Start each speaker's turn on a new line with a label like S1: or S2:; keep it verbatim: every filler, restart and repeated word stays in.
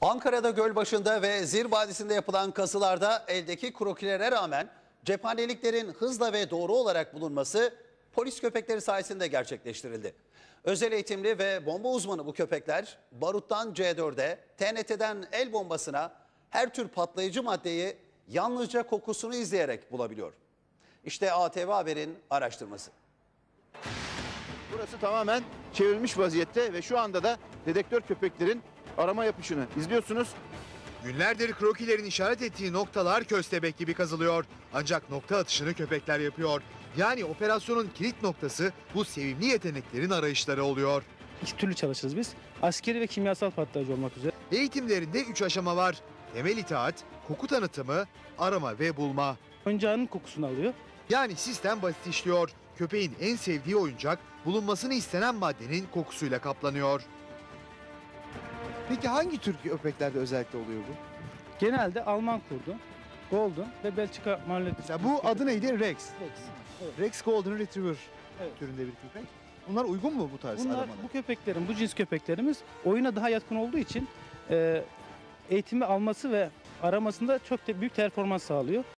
S1: Ankara'da Gölbaşı'nda ve Zir Vadisi'nde yapılan kazılarda eldeki krokilere rağmen cephaneliklerin hızla ve doğru olarak bulunması polis köpekleri sayesinde gerçekleştirildi. Özel eğitimli ve bomba uzmanı bu köpekler baruttan C dörde, T N T'den el bombasına her tür patlayıcı maddeyi yalnızca kokusunu izleyerek bulabiliyor. İşte A T V Haber'in araştırması.
S2: Burası tamamen çevrilmiş vaziyette ve şu anda da dedektör köpeklerin arama yapışını izliyorsunuz.
S3: Günlerdir krokilerin işaret ettiği noktalar köstebek gibi kazılıyor. Ancak nokta atışını köpekler yapıyor. Yani operasyonun kilit noktası bu sevimli yeteneklerin arayışları oluyor.
S4: İki türlü çalışırız biz. Askeri ve kimyasal patlayıcı olmak üzere.
S3: Eğitimlerinde üç aşama var. Temel itaat, koku tanıtımı, arama ve bulma.
S4: Oyuncağın kokusunu alıyor.
S3: Yani sistem basit işliyor. Köpeğin en sevdiği oyuncak bulunmasını istenen maddenin kokusuyla kaplanıyor.
S2: Peki hangi tür köpeklerde özellikle oluyor bu?
S4: Genelde Alman kurdu, Golden ve Belçika Marlet.
S2: Mesela bu adı neydi? Rex.
S4: Rex. Evet.
S2: Rex Golden Retriever
S4: Evet.
S2: türünde bir köpek. Bunlar uygun mu bu tarz
S4: Bunlar,
S2: aramada?
S4: bu köpeklerin, bu cins köpeklerimiz oyuna daha yatkın olduğu için e, eğitimi alması ve aramasında çok da büyük performans sağlıyor.